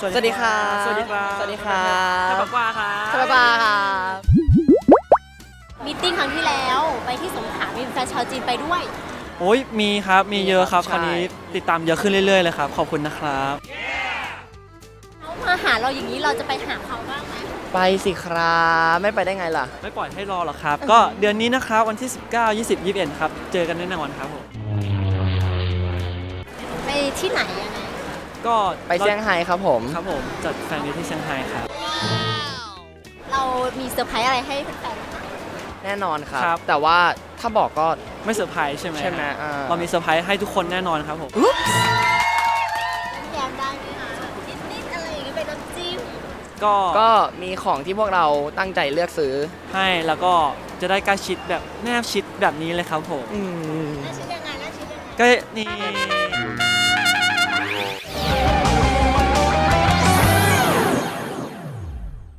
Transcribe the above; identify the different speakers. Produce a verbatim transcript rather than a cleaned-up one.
Speaker 1: สวัสดีครับ
Speaker 2: สวัสดีครับ
Speaker 1: สวัสดีครับ
Speaker 2: ท่านบอกว่าครับ
Speaker 1: สวัสดีครับ
Speaker 3: มีตติ้งครั้งที่แล้วไปที่สงขลามีแฟนชาวจีนไปด้วย
Speaker 2: โอ้ยมีครับมีเยอะครับ
Speaker 1: ใช่
Speaker 2: คราวนี้ติดตามเยอะขึ้นเรื่อยๆเลยครับขอบคุณนะครับ
Speaker 3: เขามาหาเราอย่างนี้เราจะไปหาเขาบ้างไหม
Speaker 1: ไปสิครับไม่ไปได้ไงล่ะ
Speaker 2: ไม่ปล่อยให้รอหรอกครับ ก็เดือนนี้นะครับวันที่สิบเก้า ยี่สิบ ยี่สิบเอ็ดครับเจอกันแน่นอนครับผม
Speaker 3: ไปที่ไหนยังไง
Speaker 2: ก็
Speaker 1: ไปเซี่ยงไฮ้ครับผม
Speaker 2: ครับผมจัดแฟนมีตที่เซี่ยงไฮ้ครับ
Speaker 3: เรามีเซอร์ไพรส์อะไรให้แฟนๆไหม
Speaker 1: แน่นอนครับ แต่ว่าถ้าบอกก็
Speaker 2: ไม่เซอร์ไพรส์ใช่ไหม
Speaker 1: ใช่ไหมอ่า
Speaker 2: เรามีเซอร์ไพรส์ให้ทุกคนแน่นอนครับผม
Speaker 3: แย้มได้ไหมคะนิดๆอะไรอย่างเงี้ยเป็นน้ำจิ้ม
Speaker 2: ก็
Speaker 1: ก็มีของที่พวกเราตั้งใจเลือกซื้อ
Speaker 2: ให้แล้วก็จะได้ใกล้ชิดแบบแนบชิดแบบนี้เลยครับผม
Speaker 1: อืม
Speaker 3: น่าชิดยังไงน่าชิดยังไง
Speaker 2: ก็นี่